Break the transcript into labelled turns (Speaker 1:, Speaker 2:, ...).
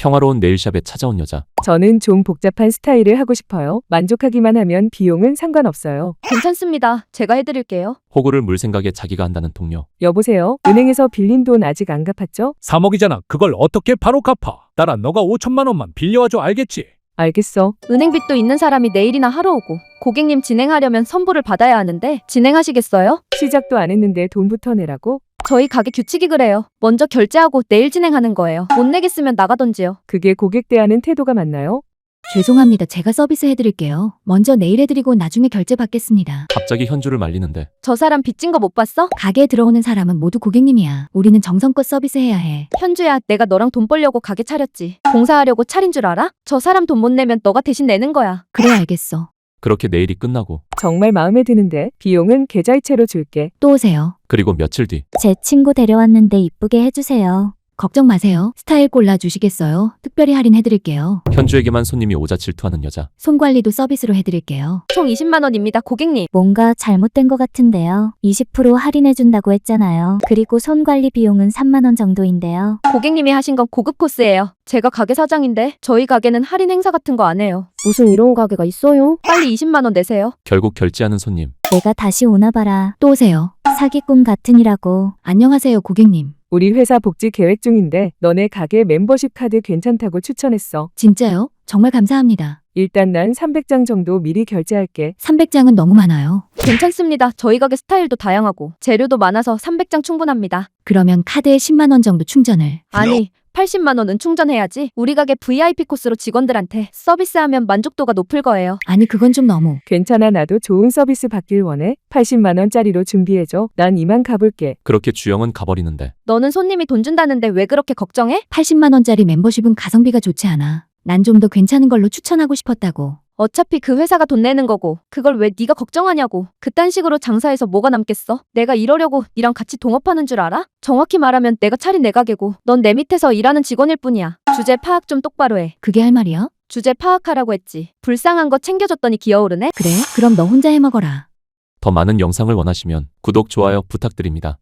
Speaker 1: 평화로운 네일샵에 찾아온 여자.
Speaker 2: 저는 좀 복잡한 스타일을 하고 싶어요. 만족하기만 하면 비용은 상관없어요.
Speaker 3: 괜찮습니다. 제가 해드릴게요.
Speaker 1: 호구를 물 생각에 자기가 한다는 동료.
Speaker 2: 여보세요? 은행에서 빌린 돈 아직 안 갚았죠?
Speaker 4: 3억이잖아. 그걸 어떻게 바로 갚아? 나라 너가 5천만 원만 빌려와줘 알겠지?
Speaker 2: 알겠어.
Speaker 3: 은행빚도 있는 사람이 내일이나 하러 오고 고객님 진행하려면 선불을 받아야 하는데 진행하시겠어요?
Speaker 2: 시작도 안 했는데 돈부터 내라고?
Speaker 3: 저희 가게 규칙이 그래요. 먼저 결제하고 내일 진행하는 거예요. 못 내겠으면 나가던지요.
Speaker 2: 그게 고객 대하는 태도가 맞나요?
Speaker 5: 죄송합니다. 제가 서비스 해드릴게요. 먼저 내일 해드리고 나중에 결제 받겠습니다.
Speaker 1: 갑자기 현주를 말리는데
Speaker 3: 저 사람 빚진 거 못 봤어?
Speaker 5: 가게에 들어오는 사람은 모두 고객님이야. 우리는 정성껏 서비스해야 해.
Speaker 3: 현주야, 내가 너랑 돈 벌려고 가게 차렸지. 봉사하려고 차린 줄 알아? 저 사람 돈 못 내면 너가 대신 내는 거야.
Speaker 5: 그래 알겠어.
Speaker 1: 그렇게 내일이 끝나고
Speaker 2: 정말 마음에 드는데 비용은 계좌이체로 줄게.
Speaker 5: 또 오세요.
Speaker 1: 그리고 며칠 뒤
Speaker 6: 제 친구 데려왔는데 이쁘게 해주세요.
Speaker 5: 걱정 마세요. 스타일 골라주시겠어요? 특별히 할인해드릴게요.
Speaker 1: 현주에게만 손님이 오자 질투하는 여자.
Speaker 5: 손관리도 서비스로 해드릴게요.
Speaker 3: 총 20만 원입니다, 고객님.
Speaker 6: 뭔가 잘못된 것 같은데요. 20% 할인해준다고 했잖아요. 그리고 손관리 비용은 3만 원 정도인데요.
Speaker 3: 고객님이 하신 건 고급 코스예요. 제가 가게 사장인데 저희 가게는 할인 행사 같은 거 안 해요.
Speaker 7: 무슨 이런 가게가 있어요?
Speaker 3: 빨리 20만 원 내세요.
Speaker 1: 결국 결제하는 손님.
Speaker 6: 내가 다시 오나봐라.
Speaker 5: 또 오세요.
Speaker 6: 사기꾼 같으니라고.
Speaker 5: 안녕하세요 고객님.
Speaker 2: 우리 회사 복지 계획 중인데 너네 가게 멤버십 카드 괜찮다고 추천했어.
Speaker 5: 진짜요? 정말 감사합니다.
Speaker 2: 일단 난 300장 정도 미리 결제할게.
Speaker 5: 300장은 너무 많아요.
Speaker 3: 괜찮습니다. 저희 가게 스타일도 다양하고 재료도 많아서 300장 충분합니다.
Speaker 5: 그러면 카드에 10만 원 정도 충전을.
Speaker 3: 아니, 80만 원은 충전해야지. 우리 가게 VIP 코스로 직원들한테 서비스하면 만족도가 높을 거예요.
Speaker 5: 아니 그건 좀 너무.
Speaker 2: 괜찮아, 나도 좋은 서비스 받길 원해. 80만 원짜리로 준비해줘. 난 이만 가볼게.
Speaker 1: 그렇게 주영은 가버리는데
Speaker 3: 너는 손님이 돈 준다는데 왜 그렇게 걱정해?
Speaker 5: 80만 원짜리 멤버십은 가성비가 좋지 않아. 난 좀 더 괜찮은 걸로 추천하고 싶었다고.
Speaker 3: 어차피 그 회사가 돈 내는 거고 그걸 왜 네가 걱정하냐고. 그딴 식으로 장사해서 뭐가 남겠어? 내가 이러려고 니랑 같이 동업하는 줄 알아? 정확히 말하면 내가 차린 내 가게고 넌 내 밑에서 일하는 직원일 뿐이야. 주제 파악 좀 똑바로 해.
Speaker 5: 그게 할 말이야?
Speaker 3: 주제 파악하라고 했지. 불쌍한 거 챙겨줬더니 기어오르네?
Speaker 5: 그래? 그럼 너 혼자 해먹어라.
Speaker 1: 더 많은 영상을 원하시면 구독, 좋아요 부탁드립니다.